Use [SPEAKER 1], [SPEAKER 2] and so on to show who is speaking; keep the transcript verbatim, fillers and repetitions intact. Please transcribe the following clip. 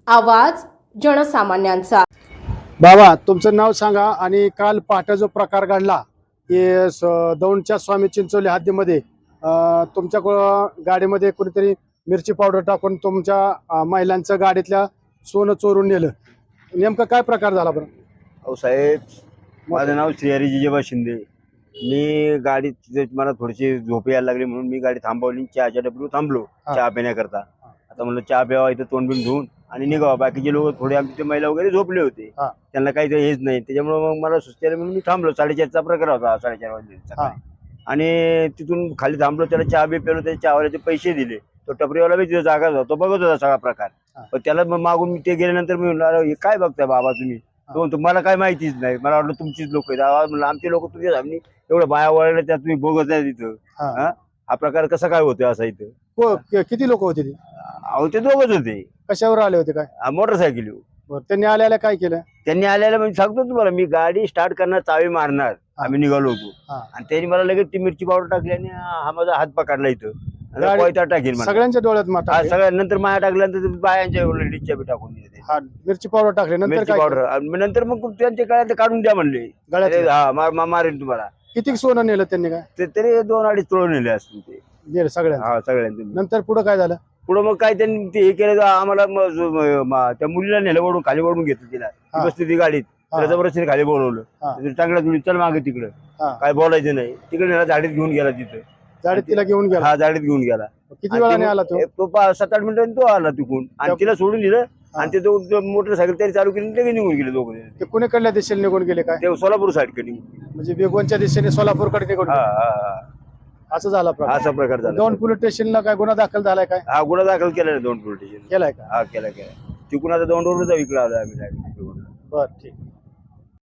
[SPEAKER 1] आवाज जनसामान्यांचा।
[SPEAKER 2] बाबा तुमचं नाव सांगा आणि काल पहाटे जो प्रकार घडला की दौंडच्या स्वामी चिंचोली हद्दीमध्ये अं, तुमच्या को- गाडीमध्ये कुणीतरी मिरची पावडर टाकून तुमच्या अं, महिलांचं गाडीतल्या सोनं चोरून नेलं, नेमकं काय प्रकार झाला बरं?
[SPEAKER 3] अहो साहेब, माझं नाव श्रीहरी जिजेबा शिंदे। मी गाडी तिथे मला थोडीशी झोप यायला लागली म्हणून मी गाडी थांबवली, चहाच्या डब्ल्यू थांबलो
[SPEAKER 2] हा.
[SPEAKER 3] चहा पिण्याकरता। आता म्हणलं चहा प्यावा, इथं तोंड बिन धुवून आणि निघावा। बाकीचे लोक थोडे आमचे महिला वगैरे झोपले होते,
[SPEAKER 2] हा.
[SPEAKER 3] त्यांना काही ते हेच नाही, त्याच्यामुळे मग मला सुस्ती आली म्हणून मी थांबलो। साडेचारचा प्रकार होता, साडेचार वाजले सकाळी। आणि तिथून खाली थांबलो, त्याला चहा बी पेलो, त्याच्या चहावाल्याचे पैसे दिले। तो टपरीवाला बी तिथे जागा होता, तो बघत होता सगळा प्रकार। पण त्याला मग मागून मी ते गेल्यानंतर मी म्हणलं, अरे हे काय बघताय बाबा तुम्ही? तो म्हणतो मला काय माहितीच नाही, मला वाटलं तुमचीच लोक आहेत। आवाज म्हणलं आमचे लोक तुझ्या सामने एवढं बाया वळले, त्यात तुम्ही बघत नाही तिथं।
[SPEAKER 2] हा.
[SPEAKER 3] हा हा प्रकार कसा काय होतोय असा इथं?
[SPEAKER 2] को- कि- किती लोक होते ते?
[SPEAKER 3] अहो ते दोघच होते,
[SPEAKER 2] कशावर आले होते काय?
[SPEAKER 3] मोटरसायकल।
[SPEAKER 2] बरं, त्यांनी आल्याला काय केलं?
[SPEAKER 3] त्यांनी आलेला म्हणजे सांगतो तुम्हाला, मी गाडी स्टार्ट करणार, चावी मारणार, आम्ही निघालो होतो।
[SPEAKER 2] हा.
[SPEAKER 3] आणि त्यांनी मला लगेच ती मिरची पावडर टाकली आणि हा माझा हात पकडला इथं, आणि
[SPEAKER 2] गाडी-
[SPEAKER 3] कोयता टाकेल मला।
[SPEAKER 2] सगळ्यांच्या डोळ्यात माता
[SPEAKER 3] हा सगळ्या नंतर माया टाकल्यानंतर बायांच्या लेडीजच्या बी टाकून दिले ते.
[SPEAKER 2] हा, मिरची पावडर टाकली नंतर
[SPEAKER 3] मिरची
[SPEAKER 2] काय
[SPEAKER 3] पावडर
[SPEAKER 2] केलं?
[SPEAKER 3] आणि नंतर मग त्यांच्या गळ्यात काढून द्या म्हणले।
[SPEAKER 2] गळ्यातलं?
[SPEAKER 3] अरे हा मार- मा- मारेन तुम्हाला।
[SPEAKER 2] किती सोनं नेलं त्यांनी? काय
[SPEAKER 3] ते तरी दोन अडीच तोळ नेले असतील ते,
[SPEAKER 2] नेलं सगळ्यांचं?
[SPEAKER 3] हा सगळ्यांनी।
[SPEAKER 2] नंतर पुढे काय झालं?
[SPEAKER 3] पुढे मग काय त्यांनी ते हे केलं, आम्हाला मग जो- म- म- त्या मुलीला नेलं, वडून खाली वडून घेतलं तिला। ती
[SPEAKER 2] हा.
[SPEAKER 3] बसली ती गाडीत,
[SPEAKER 2] हा.
[SPEAKER 3] त्याला जबरदस्तीने खाली बोलवलं।
[SPEAKER 2] हा.
[SPEAKER 3] चांगला तुम्ही चल मागे तिकडं,
[SPEAKER 2] हा.
[SPEAKER 3] काय बोलायचं नाही। तिकडे नेला, झाडीत घेऊन गेला तिथं।
[SPEAKER 2] गाडीत तिला घेऊन गेला?
[SPEAKER 3] हा झाडीत घेऊन गेला।
[SPEAKER 2] किती वेळाने आला तो?
[SPEAKER 3] आणि तो पा- सात आठ मिनिटांनी तो आला तिकून, आणि तिला सोडून दिलं।
[SPEAKER 2] हा.
[SPEAKER 3] आणि ते दोघं मोटरसायकल तरी चालू केली, लगेच निघून गेले दोघं।
[SPEAKER 2] ते कुणीकडल्या दिशेने निघून गेले काय?
[SPEAKER 3] ते सोलापूर साईड कडे।
[SPEAKER 2] म्हणजे बेगोनच्या दिशेने सोलापूरकडे निघून
[SPEAKER 3] हा
[SPEAKER 2] गेले.
[SPEAKER 3] हा हा
[SPEAKER 2] असं झाला प्रकार?
[SPEAKER 3] असा प्रकार झाला।
[SPEAKER 2] दौंड पोलीस स्टेशनला काय गुन्हा दाखल झालाय काय?
[SPEAKER 3] हा गुन्हा दाखल केला दोन पोलीस स्टेशन।
[SPEAKER 2] केलाय का?
[SPEAKER 3] हा केला केला। तिकून आता दोन रोड जाऊ, इकडे आलो आम्ही direct.
[SPEAKER 2] बर, ठीक.